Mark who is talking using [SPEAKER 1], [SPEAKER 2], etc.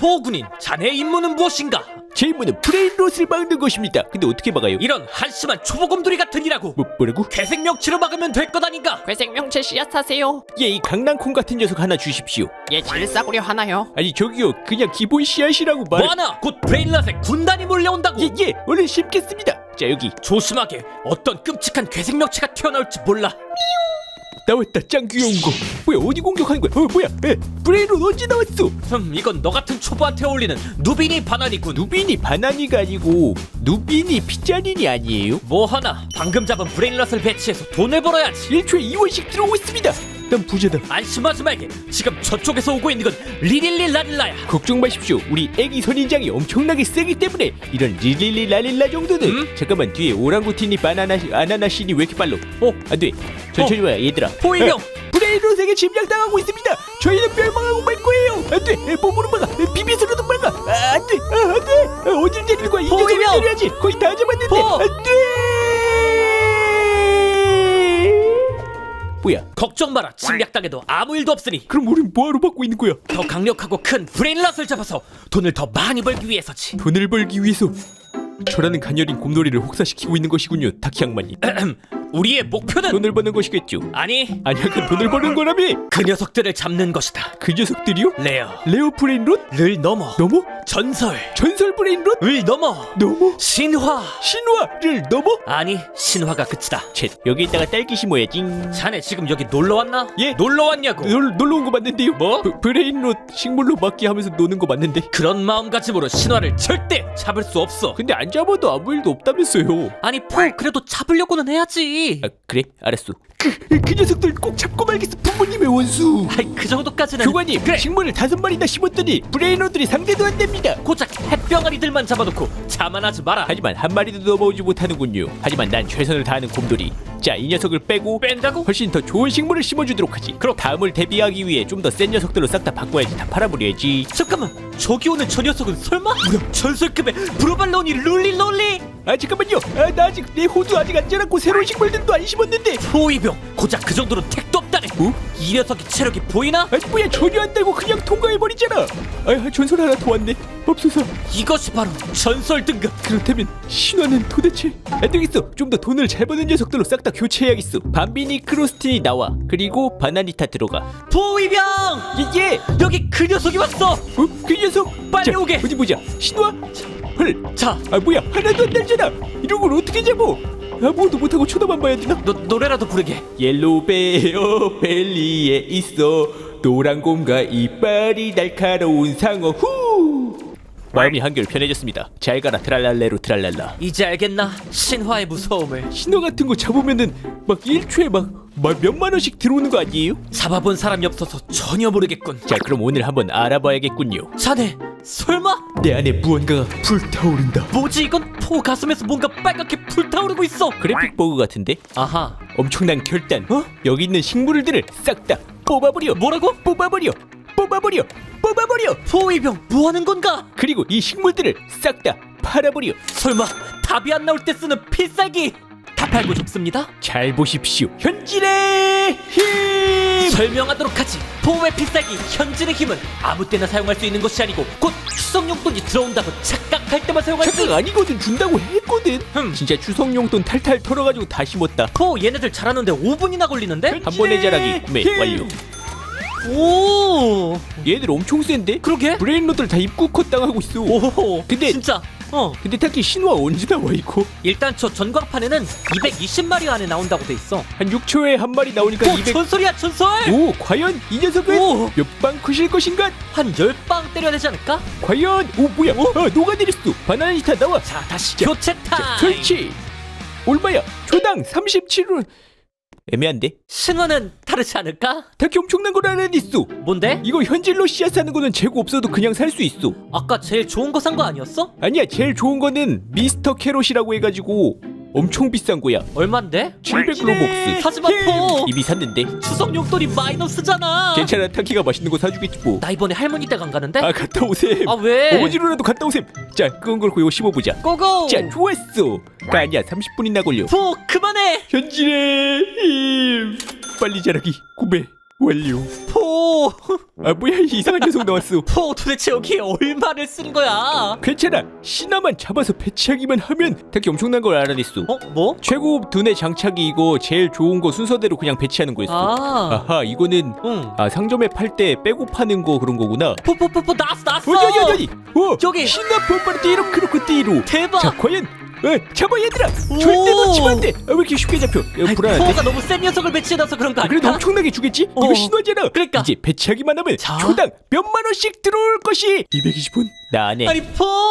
[SPEAKER 1] 포군인 자네의 임무는 무엇인가?
[SPEAKER 2] 제 임무는 브레인롯을 막는 것입니다. 근데 어떻게 막아요?
[SPEAKER 1] 이런 한심한 초보곰돌이 같은 이라고.
[SPEAKER 2] 뭐라고?
[SPEAKER 1] 괴생 명치로 막으면 될 것 아닌가?
[SPEAKER 3] 괴생 명체 씨앗 사세요.
[SPEAKER 2] 예, 이 강낭콩 같은 녀석 하나 주십시오.
[SPEAKER 3] 얘 질싸구려 하나요?
[SPEAKER 2] 아니 저기요, 그냥 기본 씨앗이라고 말.
[SPEAKER 1] 뭐하나? 곧 브레인럿의 군단이 몰려온다고.
[SPEAKER 2] 예, 얼른 심겠습니다. 자, 여기
[SPEAKER 1] 조심하게. 어떤 끔찍한 괴생 명치가 튀어나올지 몰라.
[SPEAKER 2] 나왔다. 짱 귀여운 거. 뭐야, 어디 공격하는 거야? 뭐야? 브레인롯 언제 나왔어?
[SPEAKER 1] 이건 너 같은 초보한테 어울리는 누비니 바나니군.
[SPEAKER 2] 누비니 바나니가 아니고 누비니 피자닌이 아니에요?
[SPEAKER 1] 뭐하나? 방금 잡은 브레인럿을 배치해서 돈을 벌어야지.
[SPEAKER 2] 1초에 2원씩 들어오고 있습니다. 난 부자다.
[SPEAKER 1] 안심하지 말게. 지금 저쪽에서 오고 있는 건 리릴리 라릴라야.
[SPEAKER 2] 걱정 마십시오. 우리 애기 선인장이 엄청나게 세기 때문에 이런 릴릴리 라릴라 정도는. 잠깐만, 뒤에 오랑구틴이 아나나신이 왜 이렇게 빨라? 안돼. 천천히 와요 얘들아.
[SPEAKER 1] 포위병.
[SPEAKER 2] 브레인롯에게 침략당하고 있습니다. 저희는 멸망하고 말 거예요. 안돼. 몸으로 막아. 비비스로도 막아. 안돼. 어딜 때리는 거야? 이 녀석을
[SPEAKER 1] 포위병.
[SPEAKER 2] 때려야지. 거의 다 잡았는데.
[SPEAKER 1] 포.
[SPEAKER 2] 안돼. 뭐야?
[SPEAKER 1] 걱정 마라. 침략당해도 아무 일도 없으니.
[SPEAKER 2] 그럼 우린 뭐하러 받고 있는 거야?
[SPEAKER 1] 더 강력하고 큰 브레인럿을 잡아서 돈을 더 많이 벌기 위해서지.
[SPEAKER 2] 돈을 벌기 위해서 저라는 가녀린 곰돌이를 혹사시키고 있는 것이군요, 타키 악마님.
[SPEAKER 1] 우리의 목표는
[SPEAKER 2] 돈을 버는 것이겠죠.
[SPEAKER 1] 아니,
[SPEAKER 2] 아니야, 그 돈을 버는 거라며.
[SPEAKER 1] 그 녀석들을 잡는 것이다.
[SPEAKER 2] 그 녀석들이요?
[SPEAKER 1] 레어
[SPEAKER 2] 브레인롯을
[SPEAKER 1] 넘어
[SPEAKER 2] 넘어?
[SPEAKER 1] 전설
[SPEAKER 2] 전설 브레인롯을
[SPEAKER 1] 넘어
[SPEAKER 2] 넘어?
[SPEAKER 1] 신화.
[SPEAKER 2] 신화를 넘어?
[SPEAKER 1] 아니, 신화가 끝이다.
[SPEAKER 2] 쳇, 여기에다가 딸기 심어야지.
[SPEAKER 1] 자네 지금 여기 놀러 왔나?
[SPEAKER 2] 예.
[SPEAKER 1] 놀러 왔냐고.
[SPEAKER 2] 놀러 온 거 맞는데요?
[SPEAKER 1] 뭐?
[SPEAKER 2] 브레인롯 식물로 막기 하면서 노는 거 맞는데?
[SPEAKER 1] 그런 마음가짐으로 신화를 절대 잡을 수 없어.
[SPEAKER 2] 근데 안 잡아도 아무 일도 없다면서요.
[SPEAKER 1] 아니, 그래도 잡으려고는 해야지.
[SPEAKER 2] 그래? 알았어. 그 녀석들 꼭 잡고 말겠어. 부모님의 원수.
[SPEAKER 1] 아이, 그 정도까지는.
[SPEAKER 2] 교관님,
[SPEAKER 1] 그래.
[SPEAKER 2] 식물을 5마리나 심었더니 브레인롯들이 상대도 안 됩니다.
[SPEAKER 1] 고작 햇병아리들만 잡아놓고 자만하지 마라.
[SPEAKER 2] 하지만 한 마리도 넘어오지 못하는군요. 하지만 난 최선을 다하는 곰돌이. 자, 이 녀석을 빼고
[SPEAKER 1] 뺀다고?
[SPEAKER 2] 훨씬 더 좋은 식물을 심어주도록 하지. 그럼 다음을 대비하기 위해 좀 더 센 녀석들로 싹 다 바꿔야지. 다 팔아버려야지.
[SPEAKER 1] 잠깐만, 저기 오는 저 녀석은 설마? 전설급의 브로발로니 룰리롤리?
[SPEAKER 2] 아, 잠깐만요. 나 아직 내 호두 아직 안 자랐고 새로운 식물들도 안 심었는데.
[SPEAKER 1] 포위병, 고작 그 정도로 택도 없다네. 이 녀석의 체력이 보이나?
[SPEAKER 2] 뭐야, 전혀 안 달고 그냥 통과해버리잖아. 전설 하나 더 왔네. 맙소사.
[SPEAKER 1] 이것이 바로 전설 등급.
[SPEAKER 2] 그렇다면 신화는 도대체? 안 되겠어. 좀 더 돈을 잘 버는 녀석들로 싹 다 교체해야겠어. 밤비니 크로스틴이 나와. 그리고 바나니타 들어가.
[SPEAKER 1] 포위병!
[SPEAKER 2] 예.
[SPEAKER 1] 여기 그 녀석이 왔어.
[SPEAKER 2] 그 녀석
[SPEAKER 1] 빨리
[SPEAKER 2] 자,
[SPEAKER 1] 오게.
[SPEAKER 2] 어디 보자. 신화? 헐.
[SPEAKER 1] 자,
[SPEAKER 2] 뭐야, 하나도 안 달잖아. 이런 걸 어떻게 잡어? 아무것도 못하고 쳐다만 봐야 되나?
[SPEAKER 1] 노래라도 부르게.
[SPEAKER 2] 옐로우 베어 벨리에 있어 노란 곰과 이빨이 날카로운 상어. 후. 마음이 한결 편해졌습니다. 잘 가라 트랄랄레로 트랄랄라.
[SPEAKER 1] 이제 알겠나? 신화의 무서움을.
[SPEAKER 2] 신화 같은 거 잡으면은 막 1초에 막 몇만 원씩 들어오는 거 아니에요?
[SPEAKER 1] 잡아본 사람이 없어서 전혀 모르겠군.
[SPEAKER 2] 자, 그럼 오늘 한번 알아봐야겠군요.
[SPEAKER 1] 자네, 설마?
[SPEAKER 2] 내 안에 무언가가 불타오른다.
[SPEAKER 1] 뭐지 이건? 포 가슴에서 뭔가 빨갛게 불타오르고 있어.
[SPEAKER 2] 그래픽 버그 같은데?
[SPEAKER 1] 아하.
[SPEAKER 2] 엄청난 결단. 여기 있는 식물들을 싹 다 뽑아버려.
[SPEAKER 1] 뭐라고?
[SPEAKER 2] 뽑아버려.
[SPEAKER 1] 포위병, 뭐하는 건가?
[SPEAKER 2] 그리고 이 식물들을 싹 다 팔아버려.
[SPEAKER 1] 설마 답이 안 나올 때 쓰는 필살기? 다 팔고 죽습니다.
[SPEAKER 2] 잘 보십시오. 현질의 힘.
[SPEAKER 1] 설명하도록 하지. 포의 필살기 현질의 힘은 아무 때나 사용할 수 있는 것이 아니고 곧 추석 용돈이 들어온다고 착각할 때만 사용할 수.
[SPEAKER 2] 착각 아니거든. 준다고 했거든. 진짜 추석 용돈 탈탈 털어가지고 다 심었다.
[SPEAKER 1] 포 얘네들 자라는데 5분이나 걸리는데?
[SPEAKER 2] 한 번에 자라기 구매 완료.
[SPEAKER 1] 오,
[SPEAKER 2] 얘들 엄청 센데?
[SPEAKER 1] 그러게.
[SPEAKER 2] 브레인롯들 다 입구 컷 당하고 있어.
[SPEAKER 1] 오,
[SPEAKER 2] 근데
[SPEAKER 1] 진짜.
[SPEAKER 2] 근데 딱히 신화 언제 나와 이거?
[SPEAKER 1] 일단 저 전광판에는 220마리 안에 나온다고 돼 있어.
[SPEAKER 2] 한 6초에 한 마리 나오니까
[SPEAKER 1] 오,
[SPEAKER 2] 200.
[SPEAKER 1] 전설이야, 전설.
[SPEAKER 2] 오, 과연 이 녀석은
[SPEAKER 1] 오.
[SPEAKER 2] 몇 방 크실 것인가?
[SPEAKER 1] 한 10방 때려야 되지 않을까?
[SPEAKER 2] 과연. 오, 뭐야? 녹아내렸어. 바나나니타 나와.
[SPEAKER 1] 자, 다시 교체 타임.
[SPEAKER 2] 자, 설치. 얼마야? 초당 37원. 애매한데?
[SPEAKER 1] 신화는 다르지 않을까?
[SPEAKER 2] 타키 엄청난 걸 알아냈어.
[SPEAKER 1] 뭔데?
[SPEAKER 2] 이거 현질로 씨앗 사는 거는 재고 없어도 그냥 살 수 있어.
[SPEAKER 1] 아까 제일 좋은 거 산 거 아니었어?
[SPEAKER 2] 아니야, 제일 좋은 거는 미스터 캐롯이라고 해가지고 엄청 비싼 거야.
[SPEAKER 1] 얼만데?
[SPEAKER 2] 700로벅스.
[SPEAKER 1] 사지 마, 포.
[SPEAKER 2] 이미 샀는데.
[SPEAKER 1] 추석 용돈이 마이너스잖아.
[SPEAKER 2] 괜찮아, 타키가 맛있는 거 사주겠지 뭐.
[SPEAKER 1] 나 이번에 할머니 댁 안 가는데?
[SPEAKER 2] 갔다 오셈.
[SPEAKER 1] 아, 왜?
[SPEAKER 2] 어디로라도 갔다 오셈. 자, 끄은 걸 이거 씹어보자.
[SPEAKER 1] 고고.
[SPEAKER 2] 자, 좋았어. 아니야, 30분이나 걸려.
[SPEAKER 1] 포 그만해.
[SPEAKER 2] 현질의 힘. 빨리 자라기 구매 완료.
[SPEAKER 1] 포 포!
[SPEAKER 2] 아 뭐야 이상한 녀석 나왔어.
[SPEAKER 1] 포 도대체 여기에 얼마를 쓴 거야?
[SPEAKER 2] 괜찮아. 신화만 잡아서 배치하기만 하면 딱히 엄청난 걸 알아냈어.
[SPEAKER 1] 어? 뭐?
[SPEAKER 2] 최고 두뇌 장착이 이거 제일 좋은 거 순서대로 그냥 배치하는 거였어.
[SPEAKER 1] 아.
[SPEAKER 2] 아하 이거는
[SPEAKER 1] 응.
[SPEAKER 2] 상점에 팔 때 빼고 파는 거 그런 거구나.
[SPEAKER 1] 포 나왔어!
[SPEAKER 2] 어디
[SPEAKER 1] 저기.
[SPEAKER 2] 신화 뽀빠르띠로 크로코띠로.
[SPEAKER 1] 대박!
[SPEAKER 2] 자 과연 잡아 얘들아.
[SPEAKER 1] 오.
[SPEAKER 2] 절대 놓치면 안돼. 왜 이렇게 쉽게 잡혀?
[SPEAKER 1] 아이,
[SPEAKER 2] 불안한데.
[SPEAKER 1] 포가 너무 센 녀석을 배치해놔서 그런 거 아니야?
[SPEAKER 2] 그래도 엄청나게 주겠지?
[SPEAKER 1] 어.
[SPEAKER 2] 이거 신화잖아.
[SPEAKER 1] 그러니까.
[SPEAKER 2] 이제 배치하기만 하면
[SPEAKER 1] 자.
[SPEAKER 2] 초당 몇만 원씩 들어올 것이 220원. 나 안 해.
[SPEAKER 1] 아니 포!